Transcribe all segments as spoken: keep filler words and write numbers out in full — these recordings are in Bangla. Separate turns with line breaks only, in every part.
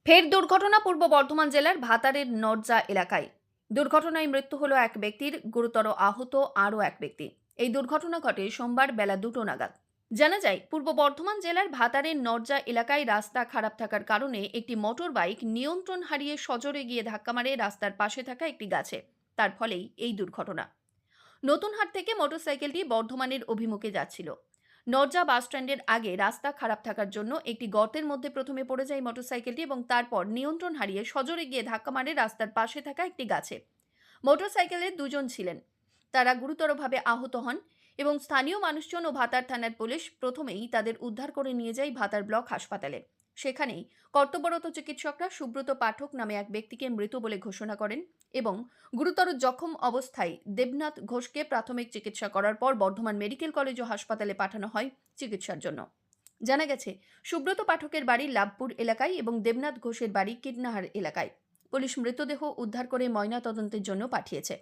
ফের দুর্ঘটনা পূর্ব বর্ধমান জেলার ভাতারের নরজা এলাকায়। দুর্ঘটনায় মৃত্যু হলো এক ব্যক্তির, গুরুতর আহত আরও এক ব্যক্তি। এই দুর্ঘটনা ঘটে সোমবার বেলা দুটো নাগাদ। জানা যায়, পূর্ব বর্ধমান জেলার ভাতারের নরজা এলাকায় রাস্তা খারাপ থাকার কারণে একটি মোটর বাইক নিয়ন্ত্রণ হারিয়ে সজোরে গিয়ে ধাক্কা মারে রাস্তার পাশে থাকা একটি গাছে। তার ফলেই এই দুর্ঘটনা। নতুনহাট থেকে মোটরসাইকেলটি বর্ধমানের অভিমুখে যাচ্ছিল। নরজা বাসস্ট্যান্ডের আগে রাস্তা খারাপ থাকার জন্য একটি গর্তের মধ্যে প্রথমে পড়ে যায় মোটরসাইকেলটি এবং তারপর নিয়ন্ত্রণ হারিয়ে সজোরে গিয়ে ধাক্কা মারে রাস্তার পাশে থাকা একটি গাছে। মোটরসাইকেলের দুজন ছিলেন, তারা গুরুতরভাবে আহত হন এবং স্থানীয় মানুষজন ও ভাতার থানার পুলিশ প্রথমেই তাদের উদ্ধার করে নিয়ে যায় ভাতার ব্লক হাসপাতালে। সেখানেই কর্তব্যরত চিকিৎসকরা সুব্রত পাঠক নামে এক ব্যক্তিকে মৃত বলে ঘোষণা করেন এবং গুরুতর জখম অবস্থায় দেবনাথ ঘোষকে প্রাথমিক চিকিৎসা করার পর বর্ধমান মেডিকেল কলেজ ও হাসপাতালে পাঠানো হয় চিকিৎসার জন্য। জানা গেছে, সুব্রত পাঠকের বাড়ি লাভপুর এলাকায় এবং দেবনাথ ঘোষের বাড়ি কিডনাহার এলাকায়। পুলিশ মৃতদেহ উদ্ধার করে ময়নাতদন্তের জন্য পাঠিয়েছে।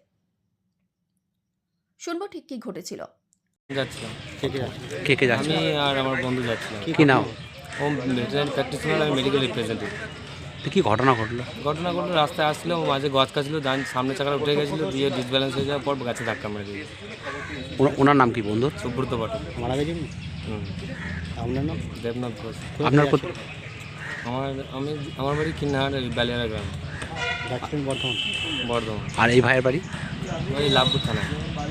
শুনবো ঠিক কি ঘটেছিল।
যাচ্ছিলাম কে কে
কে কে যাচ্ছে?
আমি আর আমার বন্ধু যাচ্ছিলাম।
কি নাম?
ও ভেটেরিনারি প্র্যাকটিশনার, আমি মেডিকেল রিপ্রেজেন্টেটিভ।
তো কি ঘটনা ঘটলো?
ঘটনা ঘটলো, রাস্তায় আসছিল, ও মাঝে গছ কাছিল, ডান সামনে চাকাটা উঠে গেছিলো, দিয়ে ডিসব্যালেন্স হয়ে যাওয়ার পর গাছে ধাক্কা মেরে দিয়েছে।
ওনা- ওনার নাম কি বন্ধু?
সুব্রত পাঠক।
মারা গেছে?
হুম,
আপনার নাম?
দেবনাথ ঘোষ।
আপনার কোথ-
আমার আমি আমার বাড়ি কিন্নাহার বালিয়ারা গ্রাম,
যাচ্ছেন বর্ধমান?
বর্ধমান।
আর এই ভাইয়ের বাড়ি?
ওই লাভপুর থানা।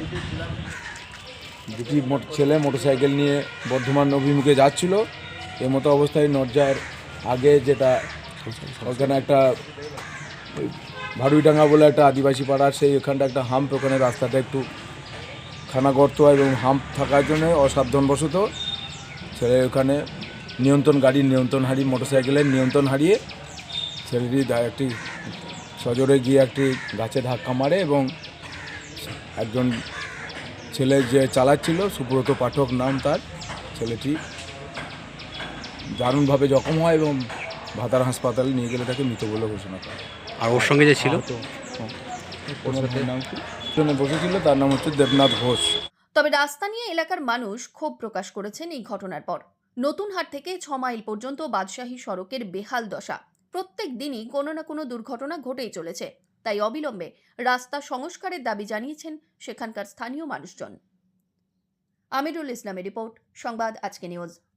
দুটি মোট- ছেলে মোটরসাইকেল নিয়ে বর্ধমান অভিমুখে যাচ্ছিল। এই মতো অবস্থায় নরজার আগে যেটা ওখানে একটা ওই ভাড়ুইডাঙ্গা বলে একটা আদিবাসী পাড়ার, সেই ওখানটা একটা হাম্প, ওখানে রাস্তাটা একটু খানা গর্ত হয় এবং হাম্প থাকার জন্য অসাবধানবশত ছেলে ওখানে নিয়ন্ত্রণ গাড়ির নিয়ন্ত্রণ হারিয়ে মোটরসাইকেলের নিয়ন্ত্রণ হারিয়ে ছেলেটি দা- একটি সজোরে গিয়ে একটি গাছে ধাক্কা মারে এবং একজন ছেলে যে চালাচ্ছিল, সুব্রত পাঠক নাম তার, ছেলেটি দারুণভাবে জখম হয় এবং ভাতার হাসপাতালে নিয়ে গেলে তাকে মৃত বলে ঘোষণা করে।
আর ওর সঙ্গে যে ছিল?
ওনার নাম কি? পেছনে বসেছিল, তার নাম হচ্ছে দেবনাথ ঘোষ।
তবে রাস্তা নিয়ে এলাকার মানুষ ক্ষোভ প্রকাশ করেছেন এই ঘটনার পর। নতুনহাট থেকে ছ মাইল পর্যন্ত বাদশাহী সড়কের বেহাল দশা। প্রত্যেক দিনই কোনো না কোনো দুর্ঘটনা ঘটেই চলেছে। তাই অবিলম্বে রাস্তা সংস্কারের দাবি জানিয়েছেন সেখানকার স্থানীয় মানুষজন। আমিরুল ইসলামের রিপোর্ট, সংবাদ আজকে নিউজ।